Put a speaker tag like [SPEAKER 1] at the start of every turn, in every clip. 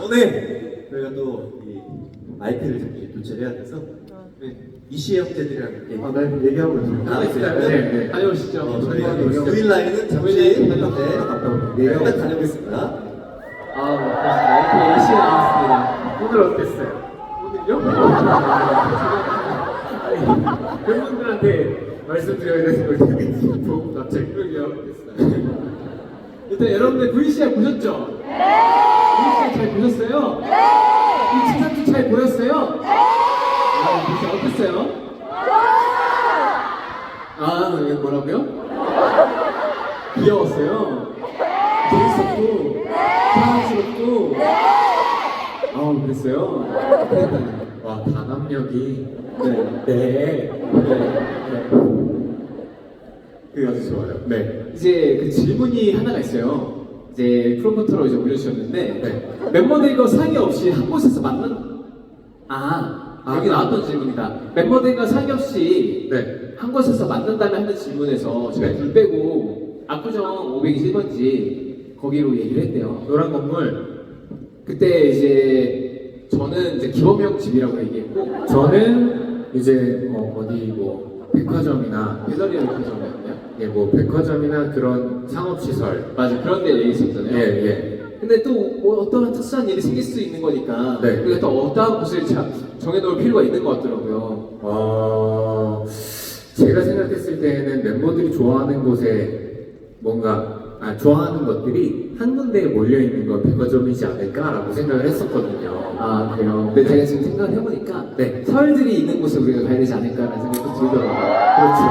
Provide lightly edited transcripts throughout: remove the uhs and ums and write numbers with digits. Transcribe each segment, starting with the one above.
[SPEAKER 1] 네. 저희가 또 이 마이크를 잠시 교체를 해야 돼서 네. 이시의 형제들이랑 이렇게
[SPEAKER 2] 네, 얘기하고 있습니다.
[SPEAKER 1] 나와 있어요.
[SPEAKER 2] 네.
[SPEAKER 3] 다녀오시죠.
[SPEAKER 1] 저희가 유일 라인은 잠시 일단 다녀오겠습니다.
[SPEAKER 3] 그렇습니다. 이렇게 시간 나왔습니다. 오늘 어땠어요? 오늘요? 팬분들한테 말씀드려야 되는 걸 되게 보고 갑자기 그러게요. 일단 여러분들 VCR 보셨죠? VCR 잘 보셨어요? 이 치사트 잘 보였어요? VCR 어땠어요? 이게 뭐라고요? 귀여웠어요? 재밌었고 사랑스럽고 그랬어요? 와 단합력이 네. 아주 좋아요. 네. 이제 그 질문이 하나가 있어요. 이제 프로모터로 이제 올려주셨는데 멤버들과 상의 없이 한 곳에서 여기 나왔던 질문이다. 멤버들과 상의 없이 한 곳에서 만난다면 하는 질문에서 제가 둘 빼고 압구정 521번지 거기로 얘기를 했대요. 노란 건물. 그때 이제 저는 이제 기범형 집이라고 얘기했고 저는 이제 어디 뭐 백화점이나 배달이나 백화점이었나요? 예, 뭐 백화점이나 그런 상업시설 맞아 그런 데 얘기했었잖아요. 예. 근데 또 뭐 어떠한 특수한 일이 생길 수 있는 거니까 우리가 또 어떠한 곳을 정해놓을 필요가 있는 것 같더라고요. 제가 생각했을 때는 멤버들이 좋아하는 곳에 좋아하는 것들이 한 군데에 몰려있는 건 백화점이지 않을까라고 생각을 했었거든요. 그래요? 근데 제가 지금 생각을 해보니까 서울들이 있는 곳에 우리가 가야 되지 않을까라는 생각도 들더라고요. 그렇죠.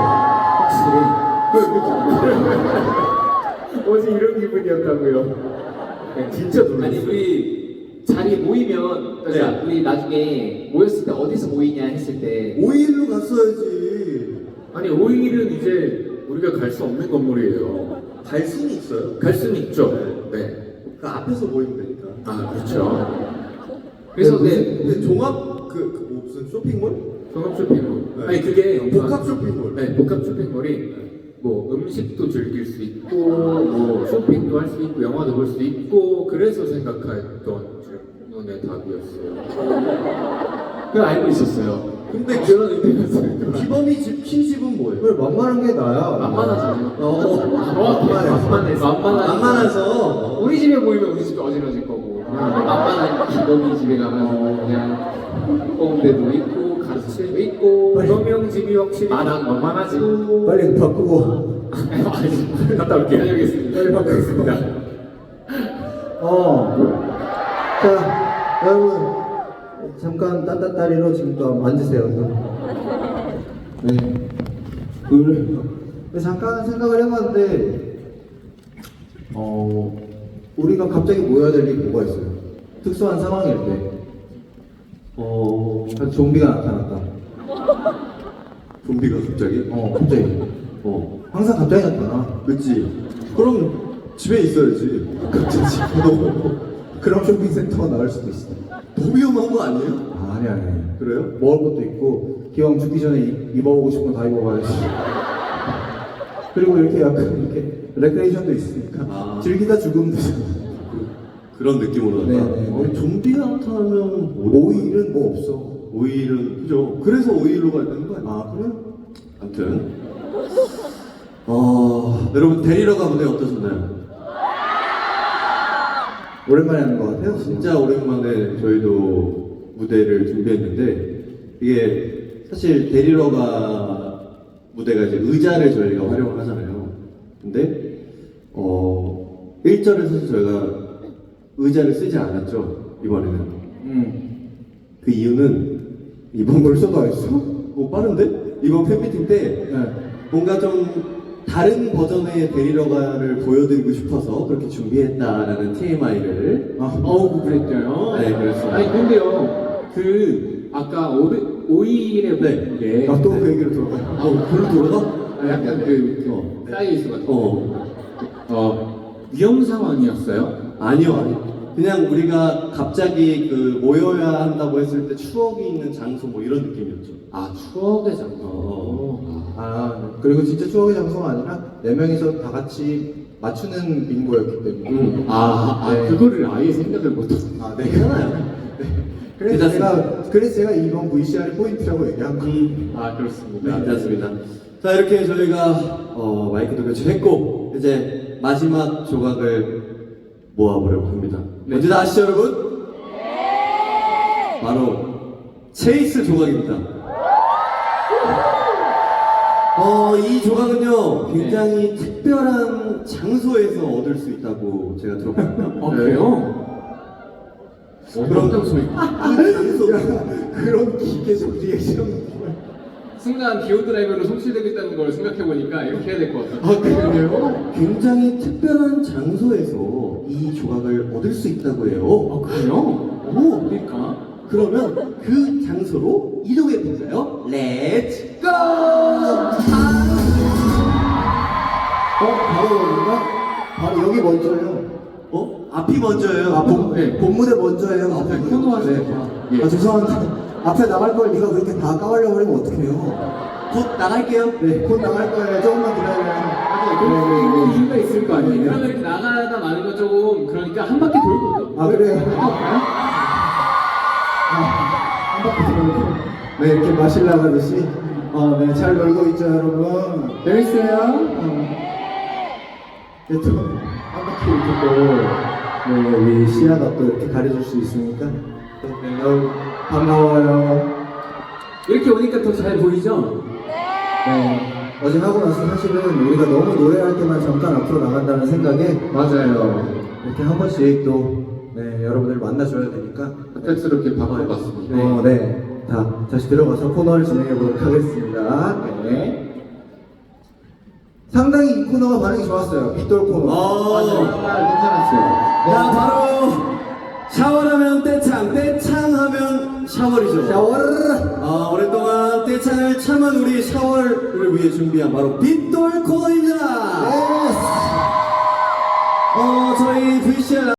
[SPEAKER 3] 확실히. 어제 이런 기분이었다고요? 진짜 놀랐어요. 아니 우리 자리 모이면 우리 나중에 모였을 때 어디서 모이냐 했을 때
[SPEAKER 1] 5일로 갔어야지.
[SPEAKER 3] 아니 5일은 이제 우리가 갈 수 없는 건물이에요.
[SPEAKER 1] 갈 수는 있어요.
[SPEAKER 3] 갈 수는 있죠.
[SPEAKER 1] 그 앞에서 모이면 되니까.
[SPEAKER 3] 그렇죠. 그래서
[SPEAKER 1] 근데 종합 무슨 쇼핑몰?
[SPEAKER 3] 종합 쇼핑몰. 아니 그게
[SPEAKER 1] 복합 쇼핑몰.
[SPEAKER 3] 복합 쇼핑몰이 뭐 음식도 즐길 수 있고 뭐 쇼핑도 할 수 있고 영화도 볼 수 있고 그래서 생각했던 질문의 답이었어요. 그걸 알고 있었어요. 근데 그런 의미였어요.
[SPEAKER 1] 기범이 집, 키집은 뭐예요?
[SPEAKER 2] 그래, 만만한 게 나야.
[SPEAKER 3] 만만하잖아요. 만만해서 우리 집에 모이면 우리 집이 어지러질 거고 만만한 기범이 집에 가면 그냥 뽕대도 있고 가스도 있고 기범형 집이 확실히 만만하지.
[SPEAKER 2] 빨리 바꾸고.
[SPEAKER 3] 갔다 올게요. 다녀오겠습니다.
[SPEAKER 2] 빨리 바꾸겠습니다. 자, 여러분. 잠깐 딴딴따리로 지금 또 앉으세요. 네. 잠깐 생각을 해봤는데, 우리가 갑자기 모여야 될 일이 뭐가 있어요? 특수한 상황일 때. 좀비가 나타났다.
[SPEAKER 1] 좀비가 갑자기?
[SPEAKER 2] 갑자기. 항상 갑자기 나타나.
[SPEAKER 1] 그치. 그럼 집에 있어야지. 갑자기.
[SPEAKER 2] 그럼 쇼핑센터가 나올 수도 있어.
[SPEAKER 1] 더 위험한 거 아니에요?
[SPEAKER 2] 아니.
[SPEAKER 1] 그래요?
[SPEAKER 2] 먹을 것도 있고, 기왕 죽기 전에 입어보고 싶은 거 다 입어봐야지. 그리고 이렇게 약간 레크레이션도 있으니까 즐기다 죽으면 되잖아.
[SPEAKER 1] 그런 느낌으로
[SPEAKER 2] 네.
[SPEAKER 1] 좀비가 나타나면
[SPEAKER 2] 5일은 뭐 없어.
[SPEAKER 1] 5일은 그죠? 그래서 5일로 가야 되는 거 아니에요?
[SPEAKER 2] 그래?
[SPEAKER 1] 아무튼 여러분 데리러 가보니 어떠셨나요?
[SPEAKER 2] 오랜만에 하는 것 같아요.
[SPEAKER 1] 진짜 오랜만에 저희도 무대를 준비했는데 이게 사실 데리러 가 무대가 이제 의자를 저희가 활용을 하잖아요. 근데 1절에 사실 저희가 의자를 쓰지 않았죠 이번에는. 그 이유는 이번
[SPEAKER 2] 벌써 다 했어?
[SPEAKER 1] 빠른데? 이번 팬미팅 때 뭔가 좀 다른 버전의 데리러가를 보여드리고 싶어서 그렇게 준비했다라는 TMI를
[SPEAKER 3] 그랬대요.
[SPEAKER 1] 네, 그랬어요.
[SPEAKER 3] 아니 근데요 아까 5일에 네.
[SPEAKER 2] 또 그 얘기로 들어가요.
[SPEAKER 1] 그걸 돌아가?
[SPEAKER 3] 약간 사이즈 같은 위험 상황이었어요?
[SPEAKER 1] 아니요. 그냥 우리가 갑자기 모여야 한다고 했을 때 추억이 있는 장소 뭐 이런 느낌이었죠.
[SPEAKER 3] 추억의 장소.
[SPEAKER 2] 그리고 진짜 추억의 장소가 아니라 4명이서 다 같이 맞추는 빙고였기 때문에. 네.
[SPEAKER 3] 그거를 아예 생각을 못하고.
[SPEAKER 2] 아, 네.
[SPEAKER 1] 괜찮아요.
[SPEAKER 2] 그래서 제가 이번 VCR 포인트라고 얘기한 거예요.
[SPEAKER 3] 아, 그렇습니다.
[SPEAKER 1] 네, 괜찮습니다. 자, 이렇게 저희가 마이크도 교체했고 이제 마지막 조각을 모아보려고 합니다.
[SPEAKER 3] 네.
[SPEAKER 1] 뭔지 다 아시죠, 여러분? 바로 체이스 조각입니다. 이 조각은요 굉장히 특별한 장소에서 얻을 수 있다고 제가 들었거든요.
[SPEAKER 3] 그래요?
[SPEAKER 1] 그런 장소.
[SPEAKER 2] 그런 기계적 리액션.
[SPEAKER 3] 순간 기어드라이버로 송출되고 있다는 걸 생각해보니까 이렇게 해야 될 것 같아요.
[SPEAKER 1] 그래요? 굉장히 특별한 장소에서 이 조각을 얻을 수 있다고 해요.
[SPEAKER 3] 그래요?
[SPEAKER 1] 오,
[SPEAKER 3] 그러니까.
[SPEAKER 1] 그러면 그 장소로 이동해 볼까요? 렛츠 고!
[SPEAKER 2] 바로 여기가? 바로 여기 먼저예요.
[SPEAKER 1] 앞이 먼저예요.
[SPEAKER 2] 본무대 먼저예요.
[SPEAKER 1] 앞에
[SPEAKER 3] 코너 하시는 거.
[SPEAKER 2] 죄송한데 앞에 나갈 걸 네가 그렇게 다 까발려 버리면 어떡해요?
[SPEAKER 1] 곧 나갈게요.
[SPEAKER 2] 네, 곧 나갈 거예요. 조금만 기다려요.
[SPEAKER 3] 이유가 있을 거 아니에요? 그러면 이렇게 나가다 마는 거 조금 그러니까 한 바퀴 돌고.
[SPEAKER 2] 아, 그래요? 한 바퀴 돌고. 네, 이렇게 마실 나가듯이. 네, 잘 놀고 있죠, 여러분. 재밌어요? 네, 또한 바퀴 이렇게 또, 네, 우리 시야가 또 이렇게 가려줄 수 있으니까. 네, 너무 반가워요.
[SPEAKER 3] 이렇게 오니까 더 잘 보이죠?
[SPEAKER 2] 네. 어제 하고 나서 사실은 우리가 너무 노래할 때만 잠깐 앞으로 나간다는 생각에
[SPEAKER 3] 맞아요.
[SPEAKER 2] 이렇게 한 번씩 또 네, 여러분들 만나줘야 되니까
[SPEAKER 3] 헛되스럽게 바꿔봤습니다.
[SPEAKER 2] 네. 다시 들어가서 코너를 진행해 보도록 하겠습니다. 네. 상당히 이 코너가 반응이 좋았어요. 빗돌 코너.
[SPEAKER 3] 정말 괜찮았어요.
[SPEAKER 1] 자, 바로 샤워하면 떼창, 떼창하면 샤워이죠.
[SPEAKER 2] 샤워.
[SPEAKER 1] 오랫동안 떼창을 참은 우리 샤워를 위해 준비한 바로 빗돌 코너입니다.
[SPEAKER 2] 예스.
[SPEAKER 1] 저희 VCR